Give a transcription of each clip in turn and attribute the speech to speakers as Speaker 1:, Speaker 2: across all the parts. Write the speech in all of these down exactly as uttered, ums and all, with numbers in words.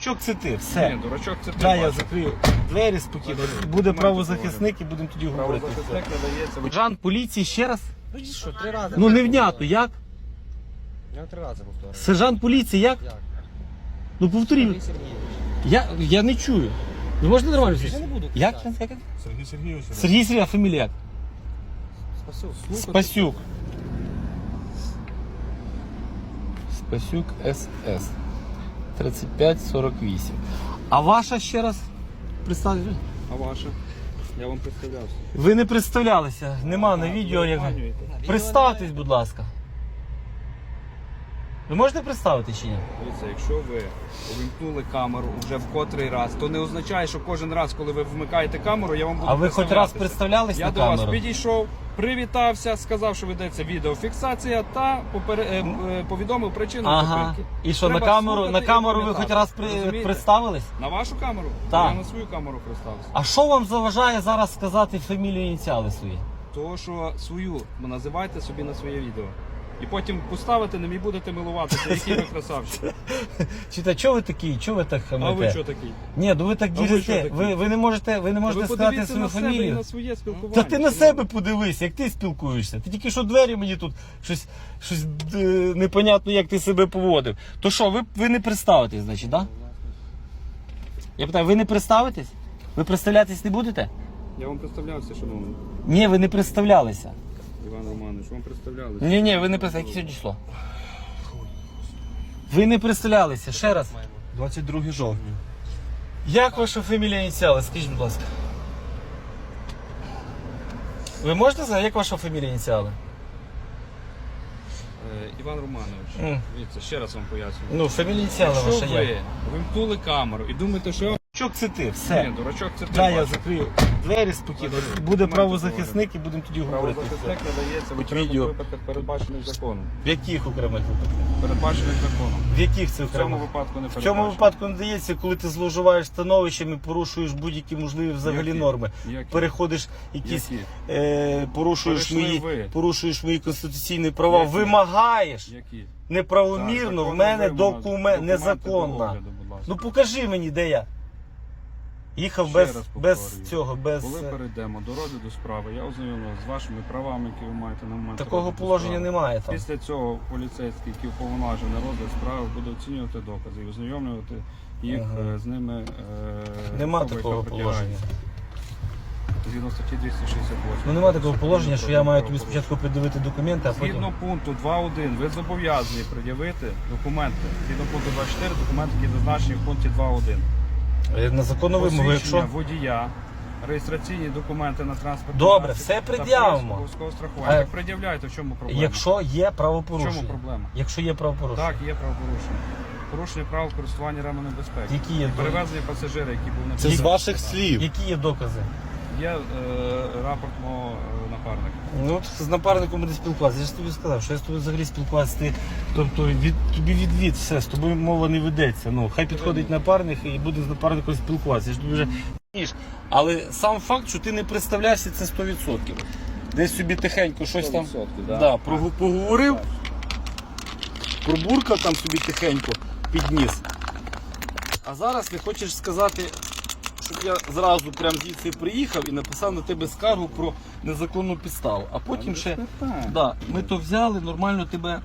Speaker 1: Дурачок це ти, все.
Speaker 2: Ні, дурачок це ти.
Speaker 1: Да, я
Speaker 2: бачиш.
Speaker 1: закрию двері спокійно.
Speaker 2: Закрию.
Speaker 1: Буде
Speaker 2: Документи
Speaker 1: правозахисник і будемо тоді говорити.
Speaker 2: Правозахисник надається.
Speaker 1: Жан поліції ще раз?
Speaker 3: Ну що, три рази.
Speaker 1: Ну невнятно, як?
Speaker 3: Я три рази повторюю.
Speaker 1: Сержант поліції, як?
Speaker 3: Як?
Speaker 1: Ну повторіть.
Speaker 3: Сергій Сергійович.
Speaker 1: Я, я не чую. Ви можете нормально
Speaker 3: Я
Speaker 1: сказати?
Speaker 3: не буду
Speaker 1: Як?
Speaker 3: кричати.
Speaker 1: Як? як?
Speaker 2: Сергій Сергійович.
Speaker 1: Сергій Сергій, а фамілія як?
Speaker 3: Спасибо.
Speaker 1: Спасюк. Спасюк ес ес. тридцять п'ять сорок вісім. А ваша ще раз? Представте.
Speaker 2: А ваше? Я вам представлявся.
Speaker 1: Ви не представлялися. Нема на
Speaker 2: А,
Speaker 1: відео.
Speaker 2: ви
Speaker 1: Як...
Speaker 2: обманюєте.
Speaker 1: Представтесь, будь ласка. Ви можете представити чи ні?
Speaker 2: Дивіться, якщо ви увімкнули камеру вже в котрий раз, то не означає, що кожен раз, коли ви вмикаєте камеру, я вам буду
Speaker 1: А ви хоч раз
Speaker 2: представлятися.
Speaker 1: представлялись
Speaker 2: Я
Speaker 1: на
Speaker 2: до
Speaker 1: камеру?
Speaker 2: вас підійшов, привітався, сказав, що ведеться відеофіксація та попере... е, е, повідомив причину
Speaker 1: Ага.
Speaker 2: зупинки.
Speaker 1: І що, на
Speaker 2: Треба
Speaker 1: камеру, на
Speaker 2: слухати і
Speaker 1: камеру ви
Speaker 2: пам'ятати.
Speaker 1: хоч раз при...
Speaker 2: Розумієте?
Speaker 1: представились?
Speaker 2: На вашу камеру?
Speaker 1: Так.
Speaker 2: Я на свою камеру представився.
Speaker 1: А що вам заважає зараз сказати фамілію і ініціали свої?
Speaker 2: Того, що свою називайте собі на своє відео. І потім поставите ним і будете милуватися, який ви красавчик.
Speaker 1: Чита, чого ви такі? Чого ви так хамите?
Speaker 2: А ви що такий?
Speaker 1: Ні, ну ви так
Speaker 2: А ви що
Speaker 1: дірите.
Speaker 2: такі?
Speaker 1: Ви, ви не можете, ви не можете
Speaker 2: Ви
Speaker 1: сказати
Speaker 2: подивіться
Speaker 1: свою
Speaker 2: на себе і
Speaker 1: фамілію.
Speaker 2: на своє спілкування.
Speaker 1: Та ти на
Speaker 2: Чому?
Speaker 1: себе подивись, як ти спілкуєшся. Ти тільки що двері мені тут щось, щось е, непонятно, як ти себе поводив. То що, ви, ви не представитесь, значить, так? Да? Я питаю, ви не представитесь? Ви представлятись не будете?
Speaker 2: Я вам представлявся, шановний.
Speaker 1: Ні, ви не представлялися.
Speaker 2: Іван Романович, вам представлялися.
Speaker 1: Ні, ні, ви не представлялися. Яке сьогодні число? Ви не представлялися, ще раз.
Speaker 3: двадцять друге жовтня.
Speaker 1: Як ваша фамілія ініціали? Скажіть, будь ласка. Ви можете сказати, як ваша фамілія ініціали?
Speaker 2: Е, Іван Романович,
Speaker 1: Мгм.
Speaker 2: дивіться, ще раз вам пояснюю.
Speaker 1: Ну, фамілія ініціали
Speaker 2: Якщо
Speaker 1: ваша
Speaker 2: ви
Speaker 1: як?
Speaker 2: вимкнули камеру і думаєте, що
Speaker 1: Дурачок це ти, все.
Speaker 2: Ні, дурачок це ти.
Speaker 1: Да, я
Speaker 2: бачиш.
Speaker 1: закрию двері спокійно.
Speaker 2: Закрию.
Speaker 1: Буде
Speaker 2: Документи
Speaker 1: правозахисник і будемо тоді говорити.
Speaker 2: Правозахисник надається в
Speaker 1: Будь
Speaker 2: окремих
Speaker 1: відео.
Speaker 2: випадках, передбачених законом.
Speaker 1: В яких окремих випадках?
Speaker 2: Передбачених законом.
Speaker 1: В яких це
Speaker 2: В цьому
Speaker 1: окремих?
Speaker 2: випадку не
Speaker 1: В
Speaker 2: передбачено.
Speaker 1: цьому випадку не дається, коли ти зловживаєш становищем і порушуєш будь-які можливі взагалі
Speaker 2: Які?
Speaker 1: норми.
Speaker 2: Які?
Speaker 1: Переходиш якісь,
Speaker 2: Які?
Speaker 1: е, порушуєш
Speaker 2: Перейшли
Speaker 1: мої,
Speaker 2: ви.
Speaker 1: порушуєш мої конституційні права,
Speaker 2: Які?
Speaker 1: вимагаєш
Speaker 2: Які?
Speaker 1: неправомірно
Speaker 2: Так,
Speaker 1: в мене
Speaker 2: законна вимога.
Speaker 1: документ
Speaker 2: Документи до
Speaker 1: незаконно.
Speaker 2: огляду, будь ласка.
Speaker 1: Ну покажи мені, де я. Їхав
Speaker 2: Ще
Speaker 1: без,
Speaker 2: раз
Speaker 1: без
Speaker 2: повторюю.
Speaker 1: цього, без
Speaker 2: Коли
Speaker 1: е,
Speaker 2: перейдемо до розгляду справи, я ознайомлю з вашими правами, які ви маєте на момент
Speaker 1: такого
Speaker 2: розгляду
Speaker 1: положення
Speaker 2: справи.
Speaker 1: немає там.
Speaker 2: Після цього поліцейський, який уповноважений на розгляд справи, буде оцінювати докази і ознайомлювати їх
Speaker 1: Ага.
Speaker 2: е, з ними. Е,
Speaker 1: Нема
Speaker 2: особи,
Speaker 1: такого
Speaker 2: яка
Speaker 1: положення.
Speaker 2: притягається. Згідно статті двісті шістдесят восьм.
Speaker 1: Ну немає такого положення, що я маю тобі спочатку придивити документи, а потім.
Speaker 2: Згідно пункту два один ви зобов'язані пред'явити документи. Згідно пункту два чотири документи, які зазначені в пункті два один.
Speaker 1: Е, На законну вимогу,
Speaker 2: Посвідчення
Speaker 1: якщо.
Speaker 2: водія, реєстраційні документи на транспорт.
Speaker 1: Добре, все пред'явимо.
Speaker 2: Обов'язкового страхування.
Speaker 1: А-
Speaker 2: Так пред'являйте, в чому проблема?
Speaker 1: Якщо є
Speaker 2: В
Speaker 1: правопорушення.
Speaker 2: чому проблема?
Speaker 1: Якщо є правопорушення.
Speaker 2: Так, є правопорушення. Порушення правил користування ременем безпеки.
Speaker 1: Які є,
Speaker 2: Перевезення пасажира, який був на
Speaker 3: Це з
Speaker 2: підставі.
Speaker 3: ваших слів.
Speaker 1: які є докази?
Speaker 2: Є е, рапорт мого е, напарника.
Speaker 1: Ну от з напарником буде спілкуватися. Я ж тобі сказав, що я з тобою взагалі спілкуватися. Ти, тобто від, тобі відвід, все, з тобою мова не ведеться. Ну, хай підходить напарник і буде з напарником спілкуватися. Я ж тобі вже ніж. Але сам факт, що ти не представляєшся, це сто відсотків. Десь собі тихенько щось там
Speaker 2: сто відсотків, да.
Speaker 1: да, прогу- поговорив, пробуркав там собі тихенько, підніс. А зараз ти хочеш сказати, щоб я зразу прям звідси приїхав і написав на тебе скаргу про незаконну підставу. А потім ще да, ми то взяли, нормально тебе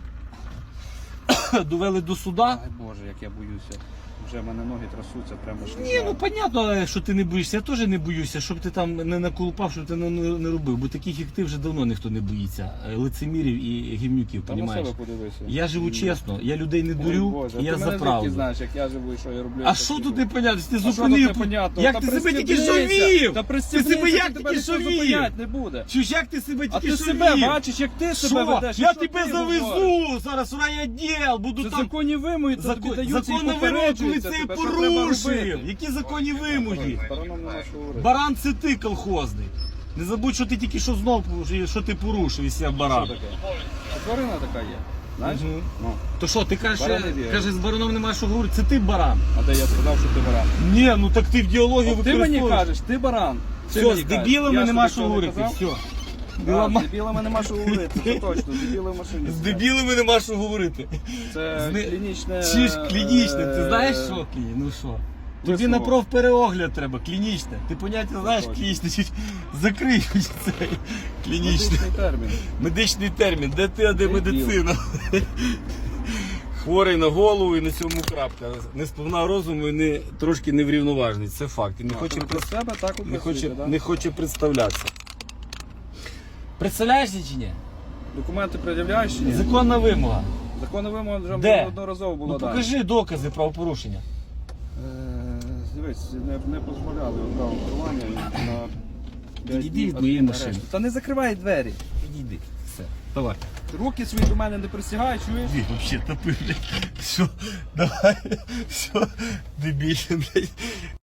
Speaker 1: довели до суда.
Speaker 2: Ай Боже, як я боюся. Вже в мене ноги трясуться прямо що.
Speaker 1: Ні, ну понятно, що ти не боїшся. Я теж не боюся, щоб ти там не наколупав, щоб ти не, не, не робив. Бо таких, як ти, вже давно ніхто не боїться. Лицемірів і гівнюків,
Speaker 2: Та на
Speaker 1: понімаєш?
Speaker 2: себе подивися.
Speaker 1: Я живу чесно, я людей не
Speaker 2: Ой,
Speaker 1: дурю,
Speaker 2: Боже,
Speaker 1: і я
Speaker 2: ти
Speaker 1: за
Speaker 2: мене
Speaker 1: правду.
Speaker 2: звідки знаєш, як я живу і що я роблю.
Speaker 1: А що тут непонятно? Ти
Speaker 2: А що
Speaker 1: зупинив?
Speaker 2: тут непонятно?
Speaker 1: Як
Speaker 2: Та
Speaker 1: ти себе тільки
Speaker 2: пристібнися!
Speaker 1: жовів?
Speaker 2: Та
Speaker 1: Ти
Speaker 2: пристібнися,
Speaker 1: себе як
Speaker 2: тебе
Speaker 1: тільки
Speaker 2: ніхто
Speaker 1: жовів?
Speaker 2: зупиняти не буде.
Speaker 1: Чуєш, як ти себе
Speaker 2: А
Speaker 1: тільки
Speaker 2: ти
Speaker 1: жовів?
Speaker 2: себе бачиш, як ти себе
Speaker 1: Що?
Speaker 2: ведеш.
Speaker 1: Я
Speaker 2: Що
Speaker 1: тебе
Speaker 2: ти
Speaker 1: завезу
Speaker 2: говориш?
Speaker 1: зараз в райвідділ, буду
Speaker 2: Це
Speaker 1: там...
Speaker 2: законні вимоги, то тобі
Speaker 1: Закон,
Speaker 2: даються і
Speaker 1: законна вимога, коли
Speaker 2: попереджуються
Speaker 1: це
Speaker 2: тебе, що треба
Speaker 1: порушив.
Speaker 2: робити.
Speaker 1: Які законні вимоги?
Speaker 2: Бараном нема що говорити.
Speaker 1: Баран це ти колхозний. Не забудь, що ти тільки що знов, що ти порушив, якщо я баран.
Speaker 2: Що таке? Це тварина така є. Знаєш?
Speaker 1: Мгм.
Speaker 2: Ну.
Speaker 1: То що, ти кажеш,
Speaker 2: Баран не вірю.
Speaker 1: каже, з бараном немає що говорити, це ти баран.
Speaker 2: А де я сказав, що ти баран?
Speaker 1: Ні, ну так ти в діалогі
Speaker 2: От ти мені
Speaker 1: використовуєш.
Speaker 2: кажеш, ти баран. Ти
Speaker 1: Все,
Speaker 2: мені
Speaker 1: з
Speaker 2: кажеш.
Speaker 1: дебілами
Speaker 2: Я
Speaker 1: нема
Speaker 2: собі
Speaker 1: що
Speaker 2: цього не
Speaker 1: говорити,
Speaker 2: казав?
Speaker 1: все. Біла
Speaker 2: з
Speaker 1: ма-
Speaker 2: дебілами нема що говорити, це точно, дебіли в машині.
Speaker 1: З
Speaker 2: сидять.
Speaker 1: дебілами нема що говорити.
Speaker 2: Це
Speaker 1: З не-
Speaker 2: клінічне...
Speaker 1: Чи ж клінічне, ти
Speaker 2: е,
Speaker 1: знаєш що? Клі- Ну що? Тобі
Speaker 2: висновок.
Speaker 1: на профпереогляд треба, клінічне. Ти поняття знаєш
Speaker 2: точно.
Speaker 1: клінічне, чи закрий цей клінічне.
Speaker 2: Медичний термін.
Speaker 1: Медичний термін, де ти, а де
Speaker 2: Дебіл.
Speaker 1: медицина? Хворий на голову і на цьому крапка. Не сповна розуму і не, трошки неврівноважений. Це факт. І не
Speaker 2: А,
Speaker 1: хоче,
Speaker 2: ви про себе так
Speaker 1: не хоче,
Speaker 2: описуєте, да?
Speaker 1: не хоче представлятися. Представляєшся чи ні?
Speaker 2: Документи пред'являєш чи ні?
Speaker 1: Законна вимога.
Speaker 2: Законна вимога вже
Speaker 1: Де?
Speaker 2: одноразово була
Speaker 1: Ну
Speaker 2: дана.
Speaker 1: покажи докази правопорушення.
Speaker 2: Е, Дивись, не, не дозволяли право керування на п'ять
Speaker 1: Відійди
Speaker 2: днів
Speaker 1: від моєї
Speaker 2: арешту.
Speaker 1: машини.
Speaker 2: Та не закривай двері.
Speaker 1: Підійди. Все. Давай.
Speaker 2: Руки свої до мене не присягай, чуєш?
Speaker 1: Иди, вообще топы, блядь. Все, давай. Все, дебильный, блядь.